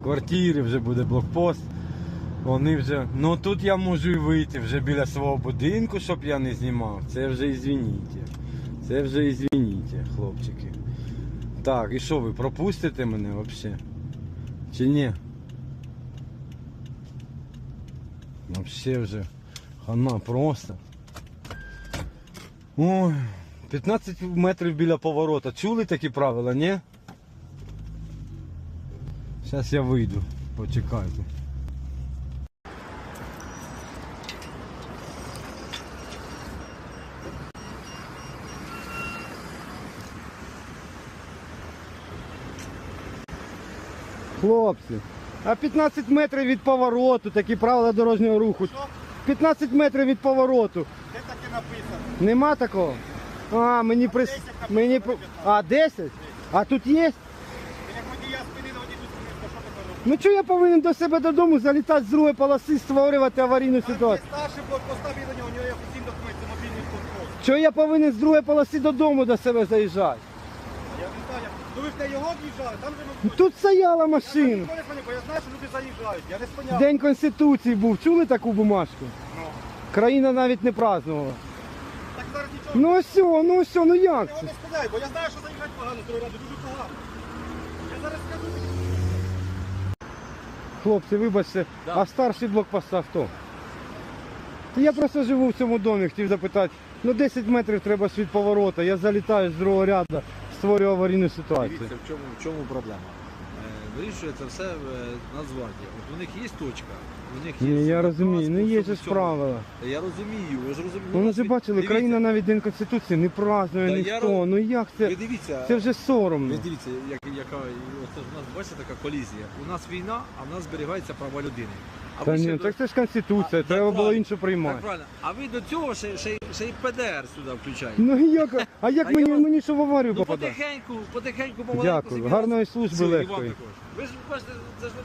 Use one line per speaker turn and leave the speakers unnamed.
квартири, вже буде блокпост. Вони вже... Ну тут я можу і вийти вже біля свого будинку, щоб я не знімав. Це вже ізвініть. Це вже ізвініть, хлопчики. Так, і що ви, пропустите мене взагалі? Чи ні? Взагалі вже хана просто. Ой, 15 метрів біля поворота. Чули такі правила, ні? Зараз я вийду, почекайте. Хлопці, а 15 метрів від повороту, такі правила дорожнього руху. 15 метрів від повороту.
Де таке написано?
Нема такого? А, мені при...
10
Мені... А, 10? А тут є?
Ти як водія спинили, водій тут спинив, що ти робиш?
Ну чого я повинен до себе додому залітати з другої полоси, створювати аварійну
Там є
ситуацію?
старший блокпоста, він до нього, у нього є офіційний документ, це мобільний блокпост.
Чого я повинен з другої полоси додому до себе заїжджати?
Я не знаю, ну ви ж на його в'їжджали, там же ми...
Тут стояла
Я
машина.
ніколи не поняв, бо я знаю, що люди заїжджають, я не спиняв.
День Конституції був. Чули таку бумажку?
Ну,
Країна навіть не празднувала.
так зараз нічого.
Ну ось, ну як
Я його
це?
не спиняю, бо я знаю, що заїжджати погано з дороги, дуже погано. Я зараз скажу.
Хлопці, вибачте, а старший блокпоста хто? Та я просто живу в цьому домі, хотів запитати. Ну 10 метрів треба від поворота, я залітаю з другого ряду, створюю аварійну ситуацію.
Дивіться, в чому проблема. Вирішує це все Нацгвардія. От у них є точка, у них є...
Ні, я розумію, ну є ж
всьому.
правила.
Я розумію, ви ж розумієте.
Ну, ви ж бачили, країна навіть День Конституції не празднує
Та я
ніхто. Ну як це?
Ви дивіться,
Це вже соромно.
ви дивіться, яка, оце ж у нас, бачите, така колізія. У нас війна, а в нас зберігаються права людини. А
Та
ви ще
ні,
до-
так це ж Конституція,
А,
треба було
правильно,
іншу приймати.
Так, правильно. А ви до цього ще й ПДР сюди включаєте.
Ну як? А як
А
мені,
я-
мені що в аварію
Ну
попадати?
потихеньку, помаленьку.
Дякую,
собі
гарної
раз-
служби
Все, і вам
легкої.
також. Ви ж бачите, це ж